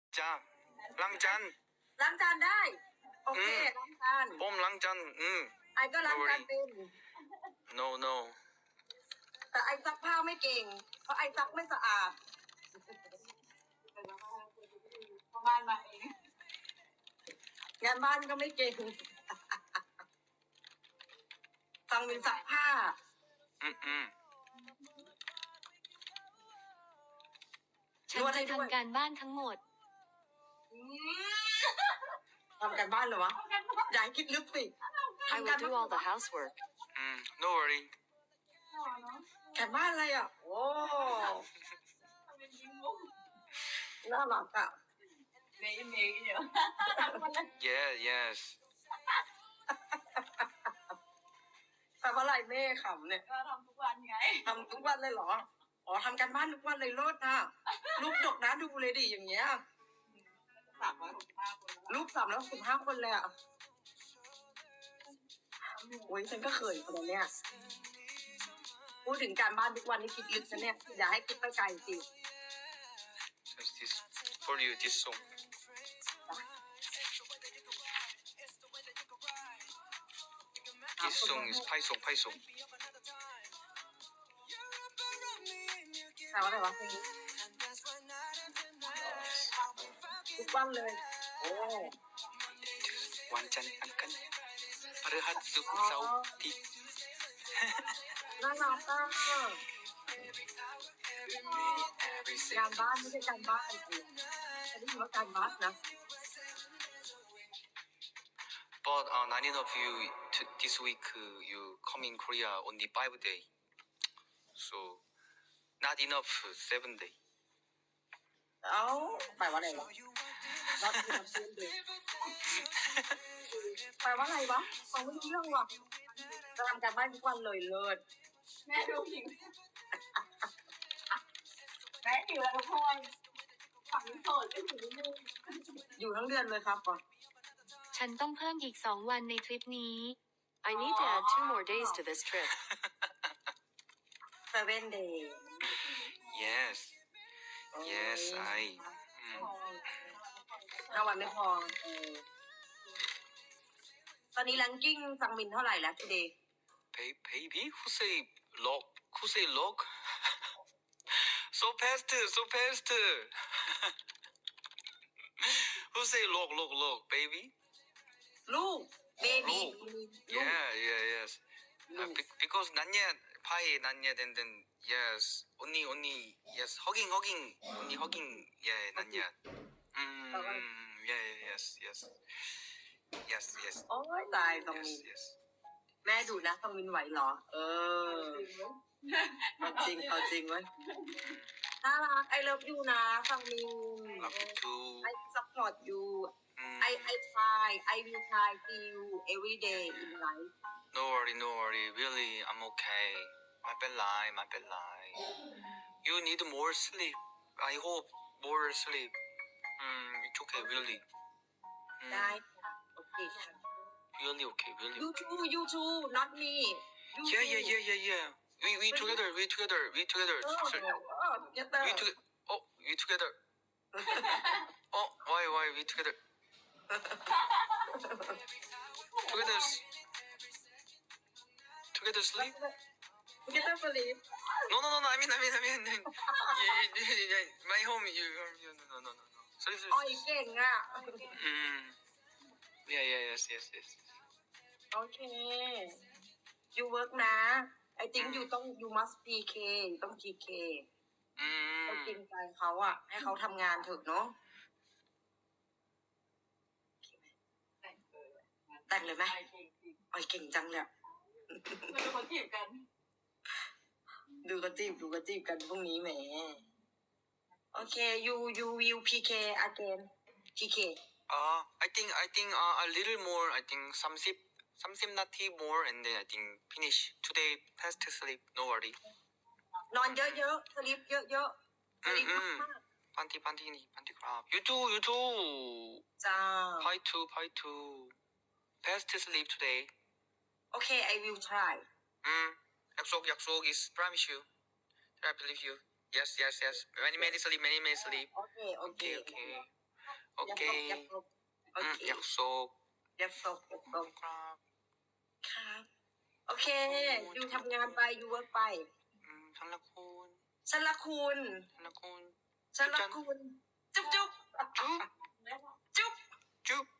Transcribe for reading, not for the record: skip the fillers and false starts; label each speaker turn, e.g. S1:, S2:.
S1: จ้าล้างจาน
S2: ล้างจานได้โอเคล้างจาน
S1: ผมล้างจาน
S2: ไอ้ก็ล้างจานเป็น
S1: no no
S2: แต่ไอ้ซักผ้าไม่เก่งเพราะไอ้ซักไม่สะอาดบ้านมาเองงานบ้านก็ไม่เก่งฟังมินซักผ้า
S3: ฉันจะทำการบ้านทั้งหมด
S2: ทำการบ้านเหรอวะอย่าให้คิดลึกสิ
S3: I will do all the housework
S1: no worry
S2: การบ้านอะไรอ่ะโอ้น่ารักอ่ะเมย์เยอะ
S1: yeah yes
S2: แปลว่าอะไรแม่ขำเนี่ย
S4: ก็ทำทุกวันไง
S2: ทำทุกวันเลยเหรออ๋อทำการบ้านทุกวันเลยโลดนะลูกดกนะดูเลยดิอย่างเงี้ย
S4: 365 คน
S2: ลูก365 คนเลยอ่ะโอ้ยฉันก็เขินคนเนี้ยพูดถึงการบ้านทุกวันนี่คิดลึกนะเนี่ยอย่าให้คิดไปไกลสิ
S1: just this for you this song this song is ไพ่ส่ง
S2: แปลว่าอะไรวะเพลงนี้ทุกวันเลยโอ้
S1: วันจันทร์อังคารพฤหัสศุกร์เสาร์อาทิตย์
S2: น่ารักอ่ะการบ้านไม่ใช่การบ้านจริงๆอันนี้ถือว่าการบ้านนะ
S1: but not enough you this week you come in Korea only 5 day so not enough 7 day
S2: เอ้าแปลว่าอะไรวะรับคือรับซื้อเลยแปลว่าอะไรวะฟังไม่รู้เรื่องว่ะจะทำการบ้านทุกวันเลยเลิศ
S4: แม่ดูหิวแม่หิวแล้วทุกคนฝังโสดก็หิวนิดนึง
S2: อยู่ทั้งเดือนเลยครับก่อน
S3: ฉันต้องเพิ่มอีก2 วันในทริปนี้ I need to add 2 more days to this trip
S2: 7 day
S1: yes yes I
S2: 5 วันไม่พอตอนนี้แรงกิ้งซังมินเท่าไหร่แล้ว today
S1: baby who say log so fast who say log baby
S2: ลูก baby
S1: yes because not yet pie not yet and then yes only yes hugging only hugging yeah not yet yes
S2: โอ้ยตายซังมิน
S1: yes
S2: แม่ดูนะซังมินไหวเหรอเอาจริงเว้ยน่ารัก I love you นะซังมิน
S1: love you too
S2: I support you I try I will try see you every day in life
S1: no worry really I'm okay ไม่เป็นไรyou need more sleep I hope more sleep it's okay really
S2: ได้ค่ะโอเคค่ะ
S1: really okay really
S2: you too not me
S1: yeah we together
S2: we together
S1: we together oh why we together together sleep
S2: together sleep
S1: no I mean my home you no sorry
S2: อ๋ออีกเก่งอ่ะ
S1: yes
S2: โอเค you work นะ I think you must PK ต้อง PK ต้องกินใจเขาอ่ะให้เขาทำงานเถอะเนาะแต่งเลยไหมอ๋อเก่งจังเลย
S4: ไม่เป็นคนจีบกัน
S2: ดูกระจีบกันพรุ่งนี้แหมโอเค you will PK again PK
S1: I think a little more I think 30 นาที more and then I think finish today fast sleep no worry
S2: นอนเยอะๆสลิปเยอะๆสลิปมาก
S1: 반티 crab you too
S2: ๆจ้า
S1: Pie too fast sleep today
S2: Okay I will try
S1: 약속 is promise you I believe you yes many sleep
S2: Okay
S1: โอเค
S2: อย่าตกโอเค
S1: อยากโศก
S2: อย่าตกอย่าตก
S1: ครับ
S2: ครับ โอเค อยู่ทำงานไป อยู่เวิร์กไป
S1: ฉันละคุณ
S2: ฉันรักคุณ
S1: ฉันละคุณ
S2: ฉันรักคุณ จุ๊บจุ๊บ
S1: จุ๊บ
S2: จุ๊บ
S1: จุ๊บ